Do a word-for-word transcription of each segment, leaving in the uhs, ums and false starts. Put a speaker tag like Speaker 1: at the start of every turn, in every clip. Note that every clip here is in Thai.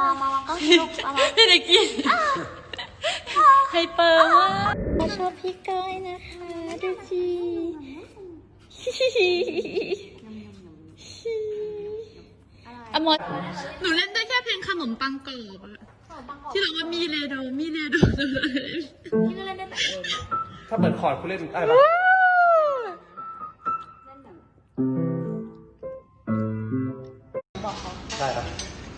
Speaker 1: องมามองก็สนุกมามอง
Speaker 2: ไม่ได้กินไฮเปอร์มากชอบพี่ก้อยนะคะดูจีอมดหนูเล่นได้แค่เพลงขนมปังกรอบอะที่เราว่ามีเลโดมีเลโด
Speaker 1: พี่ก็เล่นได้แต่เอง
Speaker 3: ถ้าเปิดคอร์ดคุณเล่นได้ปะได้ปะ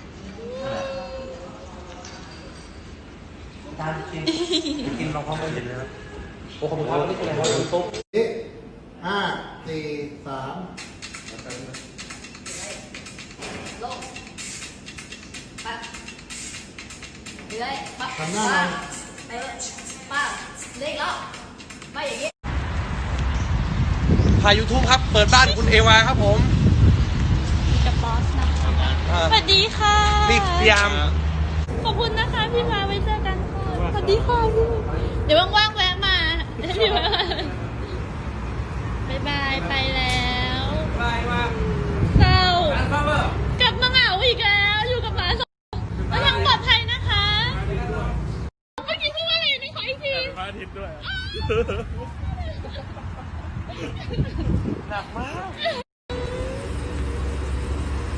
Speaker 3: ตามกินกินลองพร้อมกันเห็นเลยนะโอ้ขอบคุณครับนี่คืออะไรครับตุ๊ก
Speaker 4: ห้าสี่สาม
Speaker 1: ลงปั๊บเลื้อยปั๊บ
Speaker 4: ทำหน้าหน่อย
Speaker 1: ไปปั๊บเลื้อยอีกรอบไปอย่างนี้
Speaker 3: ถ่ายยูทูบครับ เปิดบ้านคุณเอวาครับผม
Speaker 2: กับบอสนะคะ
Speaker 3: อ่า
Speaker 2: สวัสดีค่ะ
Speaker 3: นี่พยายาม
Speaker 2: ขอบคุณนะคะพี่มาไว้เจอกันค่ะสวัสดีค่ะพี่เดี๋ยวว่างๆแวะมาพี่มาบ๊ายบายไปแล้วบายมาเศร้ากลับมาเหงาอีกแล้วอยู่กับหมาสองแล้วยังปลอดภัยนะคะเมื่อกี้พูดว่าอะไรนี่ขออีกทีพระอาทิตย์ด้วยหนักมาก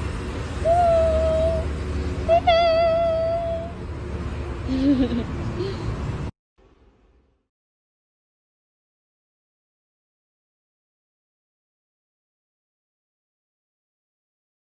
Speaker 2: บ๊ายบาย